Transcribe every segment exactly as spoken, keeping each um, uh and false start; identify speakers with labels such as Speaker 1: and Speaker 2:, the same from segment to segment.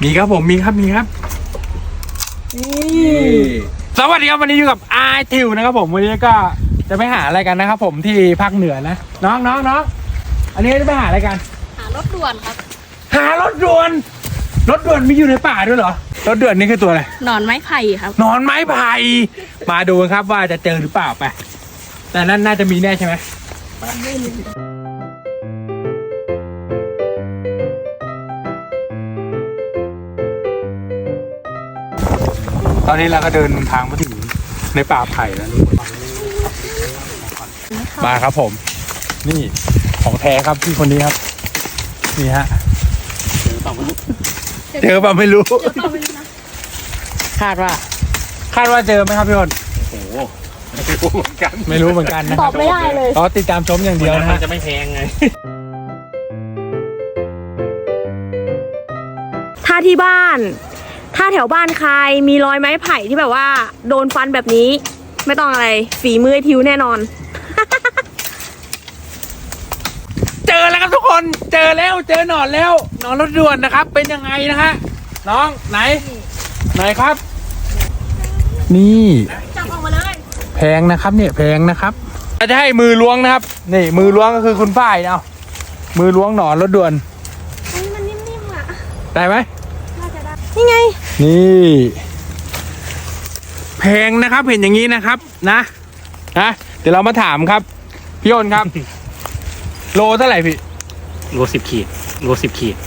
Speaker 1: มีครับผมมีครับมีครับนี่สวัสดีครับวันนี้อยู่กับอาร์ทิวนะครับผมวันนี้ก็จะไปหาอะไรกันนะครับผมที่ภาคเหนือนะน้องน้องน้องอันนี้จะไปหาอะไรกัน
Speaker 2: หารถด่วนครับ
Speaker 1: หารถด่วนรถด่วนมีอยู่ในป่าด้วยเหรอรถด่วนนี่คือตัวอะไร
Speaker 2: หนอนไม้ไผ่ครับ
Speaker 1: หนอนไม้ไผ่มาดูกันครับว่าจะเจอหรือเปล่าไปแต่นั่นน่าจะมีแน่ใช่ไหมตอนนี้เราก็เดินทางมาถึงในป่าไผ่แล้วมาครับผมนี่ของแท้ครับพี่คนนี้ครับนี่ฮะเจอป่ะไม่รู้คาดว่าคาดว่าเจอไหมครับพี่คน
Speaker 3: โอ้โหไม่รู้เหมือนกัน
Speaker 1: ไม่รู้เหมือนกันนะ
Speaker 2: ตอบไม่ได้เลย
Speaker 1: อ๋อติดตามชมอย่างเดียวนะฮะ
Speaker 3: จะไม่แพงไง
Speaker 4: ถ้าที่บ้านถ้าแถวบ้านใครมีรอยไม้ไผ่ที่แบบว่าโดนฟันแบบนี้ไม่ต้องอะไรฝีมือทิวแน่นอน
Speaker 1: เจอแล้วครับทุกคนเจอแล้วเจอหนอนแล้วหนอนรถด่วนนะครับเป็นยังไงนะฮะน้องไหนไหนครับนี่
Speaker 4: จับออกมาเลย
Speaker 1: แพงนะครับเนี่ยแพงนะครับเราจะให้มือล้วงนะครับนี่มือล้วงก็คือคุณฝ้ายเอามือล้วงหนอนรถด่วน
Speaker 4: มันนิ่มๆอ่ะ
Speaker 1: ได้ไหม
Speaker 4: น่าจะได้นี่ไง
Speaker 1: นี่แพงนะครับเห็นอย่างนี้นะครับนะนะเดี๋ยวเรามาถามครับพี่โอนครับโลเท่าไหร่พี่
Speaker 3: โลสิบขีดโลสิบขีด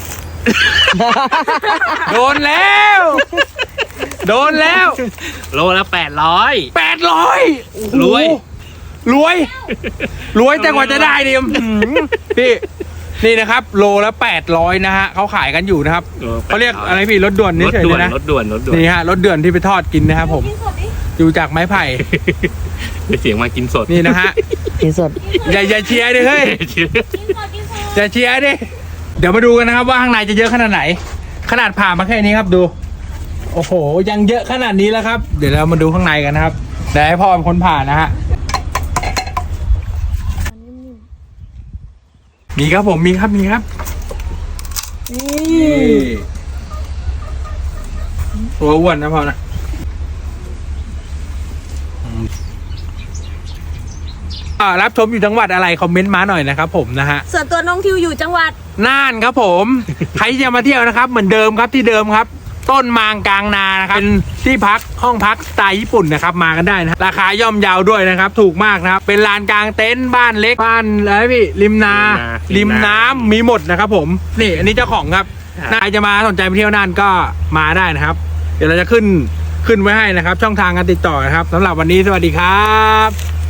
Speaker 1: โดนแล้วโดนแล้ว
Speaker 3: โลละแปดร้อย
Speaker 1: แปดร้อย
Speaker 3: รวย
Speaker 1: รวยรวยแต่กว่าจะได้ดิพี่นี่นะครับโลละแปดร้อยนะฮะเขาขายกันอยู่นะครับเขาเรียกอะไรพี่รถด่วนนี่เฉยเลยนะ
Speaker 3: รถด่วนรถด่วน
Speaker 1: นี่ฮะรถด่วนที่ไปทอดกินนะครับผมอยู่จากไม้ไผ่
Speaker 3: เสียงมากินสด
Speaker 1: นี่นะฮะ
Speaker 4: กินสด
Speaker 1: อย่าอย่าเชียร์ดิเฮ้ยอย่าเชียร์ดิเดี๋ยวมาดูกันนะครับว่าข้างในจะเยอะขนาดไหนขนาดผ่ามาแค่นี้ครับดูโอ้โหยังเยอะขนาดนี้แล้วครับเดี๋ยวเรามาดูข้างในกันนะครับเดี๋ยวให้พ่อเป็นคนผ่านะฮะมีครับผมมีครับมีครับนี่ตัวอ้วนนะพ่อนะรับชมอยู่จังหวัดอะไรคอมเมนต์มาหน่อยนะครับผมนะฮะ
Speaker 4: ส่วนตัวน้องทิวอยู่จังหวัด
Speaker 1: น่านครับผมใครจะมาเที่ยวนะครับเหมือนเดิมครับที่เดิมครับต้นมางกลางนานะครับเป็นที่พักห้องพักสไตล์ญี่ปุ่นนะครับมากันได้นะราคาย่อมเยาวด้วยนะครับถูกมากนะครับเป็นลานกลางเต็นท์บ้านเล็กบ้านอะไรพี่ริมนาริมน้ำมีหมดนะครับผมนี่อันนี้เจ้าของครับใครจะมาสนใจไปเที่ยวน่านก็มาได้นะครับเดี๋ยวเราจะขึ้นขึ้นไว้ให้นะครับช่องทางการติดต่อนะครับสำหรับวันนี้สวัสดีครับ